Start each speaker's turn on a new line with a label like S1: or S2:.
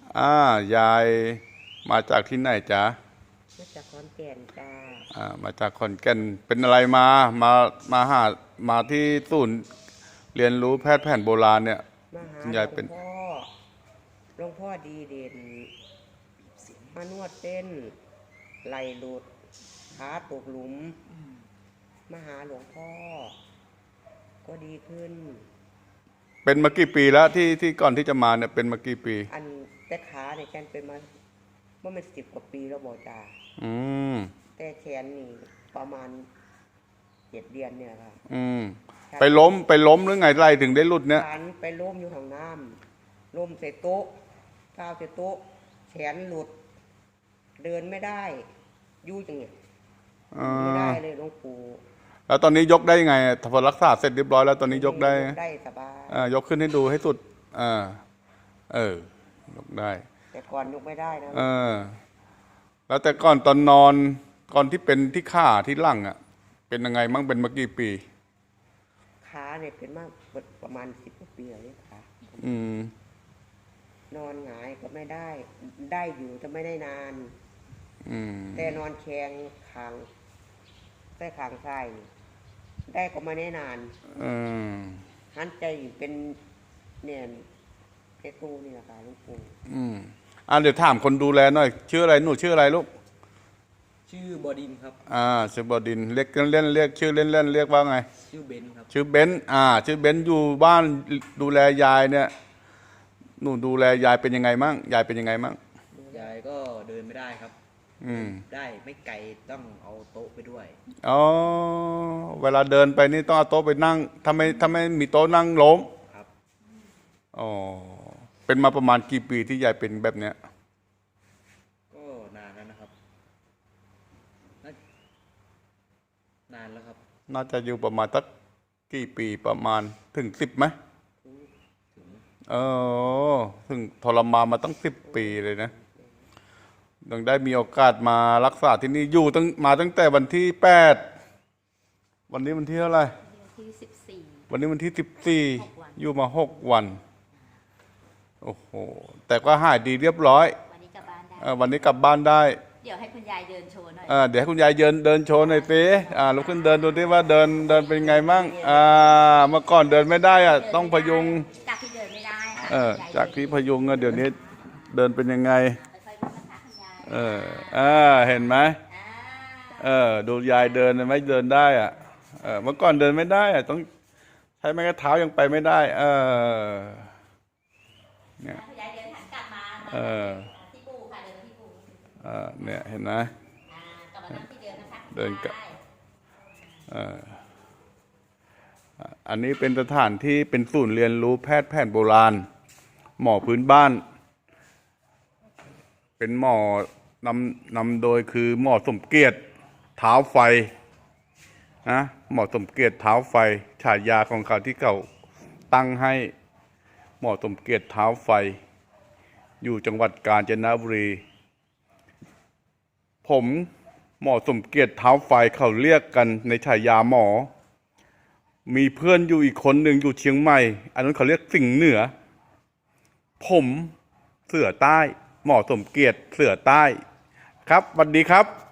S1: ยายมาจากที่ไหนจ๊ะ
S2: มาจากขอนแก่นจ้า
S1: มาจากขอนแก่นเป็นอะไรมาหามาที่ศูนย์เรียนรู้แพทย์แผนโบราณเนี่ย
S2: มาหา
S1: คุณ
S2: หล
S1: ยายวเป็น
S2: วงพ่อดีเด่นมานวดเต้นไหลหลุดขาตกหลุมมาหาหลวงพ่อก็ดีขึ้น
S1: เป็นมากี่ปีแล้วที่ก่อนที่จะมาเนี่ยเป็นมากี่ปี
S2: อันแต่ขาเนี่ยแกนเป็นมาเมื่อมัน10 กว่าปีแล้วบอกจ้าแต่แขนนี่ประมาณ7 เดือนเนี่ยค่ะ
S1: ไปล้มหรือไงไรถึงได้หลุดเนี่ย
S2: ไปล้มอยู่ห้องน้ำล้มใส่โต๊ะก้าวใส่โต๊ะแขนหลุดเดินไม่ได้ยู่จังเนี่ยไม่ได้เลยหลวงปู่
S1: แล้วตอนนี้ยกได้ยังไงพอรักษาเสร็จเรียบร้อยแล้วตอนนี้ยกได้
S2: สบาย
S1: ยกขึ้นให้ดูให้สุดยกได้
S2: แต่ก่อนยกไม่ได้นะ
S1: แล้วแต่ก่อนตอนนอนก่อนที่เป็นที่ขาที่หลังเป็นยังไงมั่งเป็นมากี่ปี
S2: ขาเนี่ยเป็นมากประมาณ10 กว่าปีเลยค่ะนอนหงายก็ไม่ได้อยู่จะไม่ได้นานแต่นอนแข็งขางใต้ขางซ้ายได้ก็ไม่ได้นานหันใจเป็นเนี่ยเพชรตูนี่แหละค่ะลูกปู
S1: เดี๋ยวถามคนดูแลหน่อยชื่ออะไรหนูชื่ออะไรลูก
S3: ชื่อบอดินครับ
S1: ชื่อบอดินเรียกเล่นเรียกชื่อเล่นเรียกว่าไง
S3: ชื่อเบนครับ
S1: ชื่อเบนชื่อเบนอยู่บ้านดูแลยายเนี่ยหนูดูแลยายเป็นยังไงมั่งยายเป็นยังไงมั่ง
S3: ยายก็เดินไม่ได้ครับได้ไม่ไกลต้องเอาโต๊ะไปด้วย
S1: เวลาเดินไปนี่ต้องเอาโต๊ะไปนั่งถ้าไม่มีโต๊ะนั่งล้ม
S3: ครับ
S1: เป็นมาประมาณกี่ปีที่ยายเป็นแบบเนี้ย
S3: ก็นานแล้วนะครับนานแล้วครับ
S1: น่าจะอยู่ประมาณสักกี่ปีประมาณถึง10ไหมถึงทรมานมาตั้ง10 ปีเลยนะยังได้มีโอกาสมารักษาที่นี่อยู่ตั้งแต่วันที่8วันนี้วันที่เท่าไหร่วันนี้วันที่14อยู่มา6 วันโอ้โหแต่ก็หายดีเรียบร้อย
S4: วันนี้กลับบ้านได้
S1: วันนี้กลับบ้านได้
S4: เดี๋ยวให้คุณยายเดินโชว์หน่
S1: อยเดี๋ยวให้คุณยายเดินโชว์หน่อยสิลุกขึ้นเดินดูดิว่าเดินเป็นไงมั่งเมื่อก่อนเดินไม่ได้ต้องพยุง
S4: จากที่เดินไม่ได้
S1: จากที่พยุงเดี๋ยวนี้เดินเป็นยังไงเห็นไหมดูยายเดินไหมเดินได้เมื่อก่อนเดินไม่ได้ต้องใช้ไม้กระเท้ายังไปไม่ได้เนี่ย
S4: ยายเดินหันกลับมาที่ปูค่ะเดินที่ปู
S1: เนี่ยเห็นไหม
S4: กลับมานั่งที่เดิมนะคะ
S1: เดินกับอันนี้เป็นสถานที่เป็นศูนย์เรียนรู้แพทย์แผนโบราณหมอพื้นบ้านเป็นหมอนำโดยคือหมอสมเกียรติเท้าไฟนะหมอสมเกียรติเท้าไฟฉายาของเขาที่เขาตั้งให้หมอสมเกียรติเท้าไฟอยู่จังหวัดกาญจนบุรีผมหมอสมเกียรติเท้าไฟเขาเรียกกันในฉายาหมอมีเพื่อนอยู่อีกคนหนึ่งอยู่เชียงใหม่อันนั้นเขาเรียกสิงห์เหนือผมเสือใต้หมอสมเกียรติเสือใต้ครับสวัสดีครับ